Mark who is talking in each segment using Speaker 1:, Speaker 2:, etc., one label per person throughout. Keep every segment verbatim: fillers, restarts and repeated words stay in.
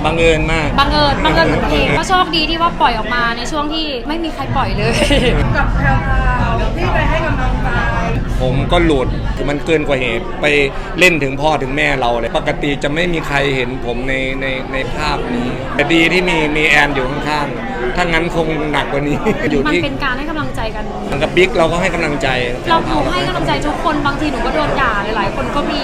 Speaker 1: บังเอิญมาก
Speaker 2: บังเอิญบังเอิญเหมือนเพลงก็โชคดีที่ว่าปล่อยออกมาในช่วงที่ไม่มีใครปล่อยเลย
Speaker 3: กับแพรวๆที่ไปให้กำลังใจ
Speaker 1: ผมก็หลุดมันเกินกว่าเหตุไปเล่นถึงพ่อถึงแม่เราเลยปกติจะไม่มีใครเห็นผมในในในภาพนี้แต่ดีที่มีมีแอนอยู่ข้างๆถ้างั้นคงหนักกว่านี้
Speaker 2: อยู่ที่มันเป็นการให้กำลังใจกัน
Speaker 1: กับบิ๊กเราก็ให้กำลังใจ
Speaker 2: เราหนูให้กำลังใจทุกคนบางทีหนูก็โดนด่าหลายๆคนก็มี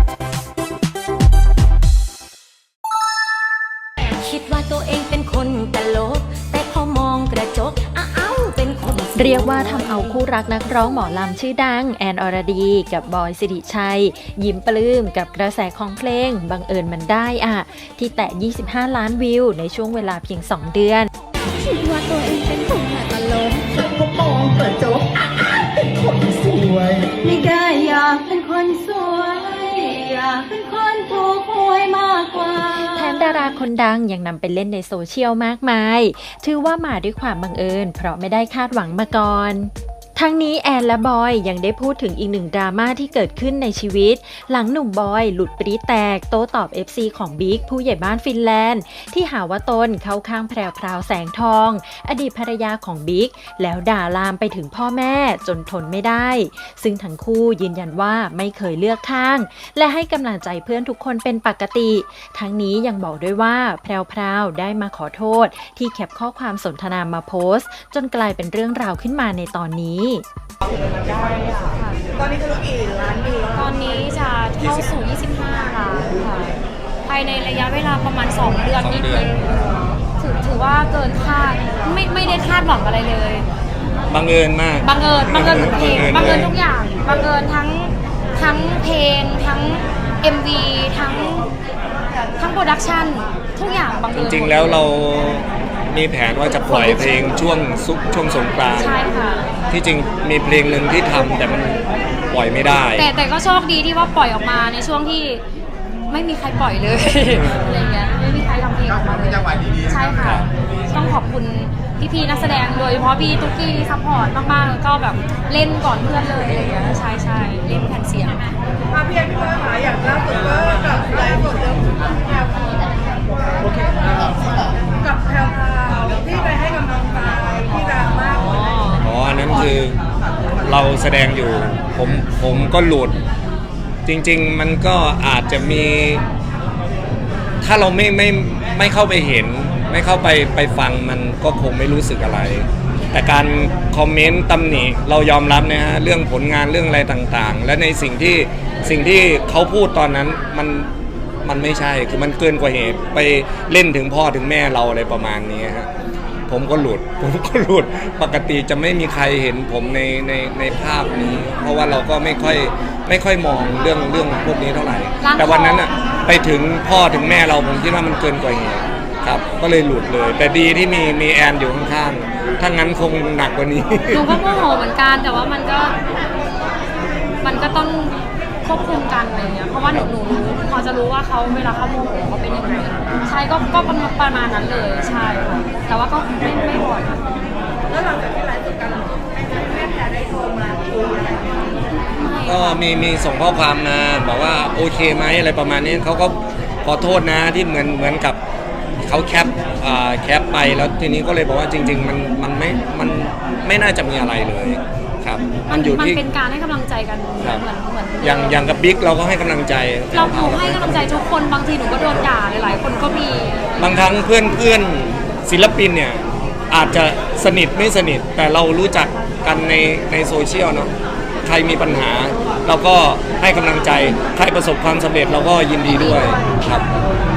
Speaker 4: คิดว่าตัวเองเป็นคนตลกแต่พอมองกระจกอ้าวเป็นคน
Speaker 5: เรียกว่าทำเอาคู่รักนักร้องหมอลำชื่อดังแอนอรดีกับบอยสิริชัยยิ้มปลื้มกับกระแสของเพลงบังเอิญมันได้อะที่แตะยี่สิบห้าล้านวิวในช่วงเวลาเพียงสองเดือน
Speaker 4: คิดว่าตัวเองเป็นคนตลก
Speaker 3: แต่พอมองกระจกเป็นคนสวย
Speaker 4: ไม่ได้อยากเป็นคนสวยอยากเป็นคนถูกหวยมากกว่า
Speaker 5: แถมดาราคนดังยังนำไปเล่นในโซเชียลมากมายถือว่ามาด้วยความบังเอิญเพราะไม่ได้คาดหวังมาก่อนทั้งนี้แอนและบอยยังได้พูดถึงอีกหนึ่งดราม่าที่เกิดขึ้นในชีวิตหลังหนุ่มบอยหลุดปรี๊ดแตกโต้ตอบ เอฟ ซี ของบิ๊กผู้ใหญ่บ้านฟินแลนด์ที่หาว่าตนเข้าข้างแพรวพราวแสงทองอดีตภรรยาของบิ๊กแล้วด่าลามไปถึงพ่อแม่จนทนไม่ได้ซึ่งทั้งคู่ยืนยันว่าไม่เคยเลือกข้างและให้กำลังใจเพื่อนทุกคนเป็นปกติทั้งนี้ยังบอกด้วยว่าแพรวพราวได้มาขอโทษที่แคปข้อความสนทนามาโพสต์จนกลายเป็นเรื่องราวขึ้นมาในตอนนี้
Speaker 3: ตอนนี้จะรู้กี่ล้านวิว
Speaker 2: ตอนนี้จะเข้าสู่ยี่สิบห้าล้านค่ะภายในระยะเวลาประมาณสองเดือนนิดนึงถือถือว่าเกินคาดไม่ไม่ได้คาดหวังอะไรเลย
Speaker 1: บังเอิญมาก
Speaker 2: บังเอิญบังเอิญทุกเพลงบังเอิญทุกอย่างบังเอิญทั้งทั้งเพลงทั้ง เอ็ม วี ทั้งทั้งโปรดักชั่นทุกอย่างบังเอิญ
Speaker 1: จริงๆแล้วเรามีแผนว่าจะปล่อยเพลงช่วงซุกช่วงสงกรานต์
Speaker 2: ใช่ค่ะ
Speaker 1: ที่จริงมีเพลงหนึ่งที่ทำแต่มันปล่อยไม่ได้
Speaker 2: แต่แต่ก็โชคดีที่ว่าปล่อยออกมาในช่วงที่ไม่มีใครปล่อยเลยอะไรเงี้ยไม่มีใครทำเพลงออกมาเลยใช่ค่ะต้องขอบคุณพี่ๆนักแสดงโดยเฉพาะพี่ตุ๊กกี้ซัพพอร์ตมากๆแล้วก็แบบเล่นก่อนเพื่อนเลยอะไรเงี้ยใช่ใช่เล่นแผ่นเสียง
Speaker 3: มาพี่แอนพี่ว่าหาอย่างล่าสุดก็กับไลฟ์สดเรื่องแพรวกับแพรวที่ไปให้กำลังใจที่ดังมาก
Speaker 1: อ๋ออันนั้นคือเราแสดงอยู่ผมผมก็หลุดจริงๆมันก็อาจจะมีถ้าเราไม่ไม่ไม่เข้าไปเห็นไม่เข้าไปไปฟังมันก็คงไม่รู้สึกอะไรแต่การคอมเมนต์ตำหนิเรายอมรับนะฮะเรื่องผลงานเรื่องอะไรต่างๆและในสิ่งที่สิ่งที่เขาพูดตอนนั้นมันมันไม่ใช่คือมันเกินกว่าเหตุไปเล่นถึงพ่อถึงแม่เราอะไรประมาณนี้ฮะผมก็หลุดผมก็หลุดปกติจะไม่มีใครเห็นผมในในในภาพนี้เพราะว่าเราก็ไม่ค่อยไม่ค่อยมองเรื่องเรื่องพวกนี้เท่าไหร่แต่วันนั้นอะไปถึงพ่อถึงแม่เราผมคิดว่ามันเกินกว่าเหตุครับก็เลยหลุดเลยแต่ดีที่มีมีแอนอยู่ข้างๆถ้างั้นคงหนักกว่านี้
Speaker 2: หนูก็โมโหเหมือนกันแต่ว่ามันก็มันก็ต้องควบคุมกันอะไรเงี้ยเพราะว่าหนูหนูรู้พอจะรู้ว่าเขาเวลาเขาโมโหเขาเป็นยังไงใช่ก็ก็ประมาณนั้นเลยใช่ค่ะแต่ว่าก็ไม่ไม่บ่อย
Speaker 3: แล้วหลังจากที่ไลฟ์สดกันแม่แพรได้โทรมาคุยอะไร
Speaker 1: ก็มีมีส่งข้อความมาบอกว่าโอเคไหมอะไรประมาณนี้เขาก็ขอโทษนะที่เหมือนเหมือนกับเขาแคปแคปไปแล้วทีนี้ก็เลยบอกว่าจริงๆมันมันไม่มันไม่น่าจะมีอะไรเลยครับ
Speaker 2: มันอยู่ที่มันเป็นการให้กำลังใจกันเหมือนเหมือน
Speaker 1: อย่างอย่างกับบิ๊กเราก็ให้กำลังใจ
Speaker 2: เราหนูให้กำลังใจทุกคนบางทีหนูก็โดนด่าหลายๆคนก็มี
Speaker 1: บางครั้งเพื่อนเพื่อนศิลปินเนี่ยอาจจะสนิทไม่สนิทแต่เรารู้จักกันในในโซเชียลเนาะใครมีปัญหาเราก็ให้กำลังใจใครประสบความสำเร็จเราก็ยินดีด้วยครับ